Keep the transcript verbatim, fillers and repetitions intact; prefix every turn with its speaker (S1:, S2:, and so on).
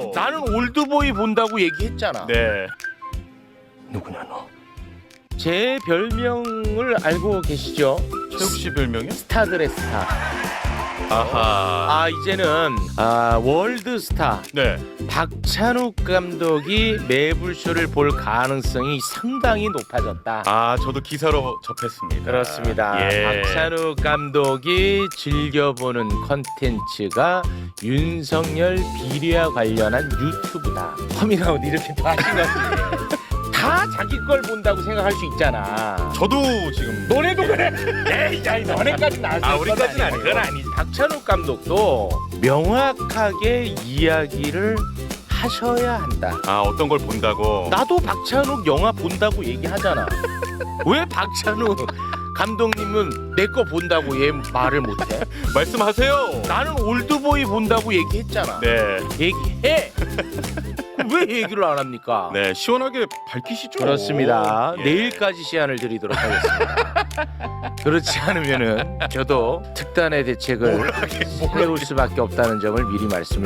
S1: 나는 올드보이 본다고 얘기했잖아.
S2: 네.
S1: 누구냐 너? 제 별명을 알고 계시죠?
S2: 최욱 씨 별명이요?
S1: 스타들의 스타.
S2: 아하.
S1: 아 이제는 아 월드스타
S2: 네.
S1: 박찬욱 감독이 매불쇼를 볼 가능성이 상당히 높아졌다.
S2: 아 저도 기사로 접했습니다.
S1: 그렇습니다.
S2: 예.
S1: 박찬욱 감독이 즐겨보는 컨텐츠가 윤석열 비리와 관련한 유튜브다. 커밍아웃 이렇게 다 하신 거지. 다 자기 걸 본다고 생각할 수 있잖아.
S2: 저도 지금
S1: 너네도 그래. 에이, 야, 너네까지 나왔을
S2: 아, 우리까지는 아니고.
S1: 그건 아니지. 박찬욱 감독도 명확하게 이야기를 하셔야 한다.
S2: 아 어떤 걸 본다고.
S1: 나도 박찬욱 영화 본다고 얘기하잖아. 왜 박찬욱 감독님은 내 거 본다고 얘 말을 못해?
S2: 말씀하세요.
S1: 나는 올드보이 본다고 얘기했잖아.
S2: 네.
S1: 얘기해. 왜 얘기를 안 합니까?
S2: 네 시원하게 밝히시죠.
S1: 그렇습니다.
S2: 예.
S1: 내일까지 시한을 드리도록 하겠습니다. 그렇지 않으면은 저도 특단의 대책을 세울 수밖에 없다는 점을 미리 말씀을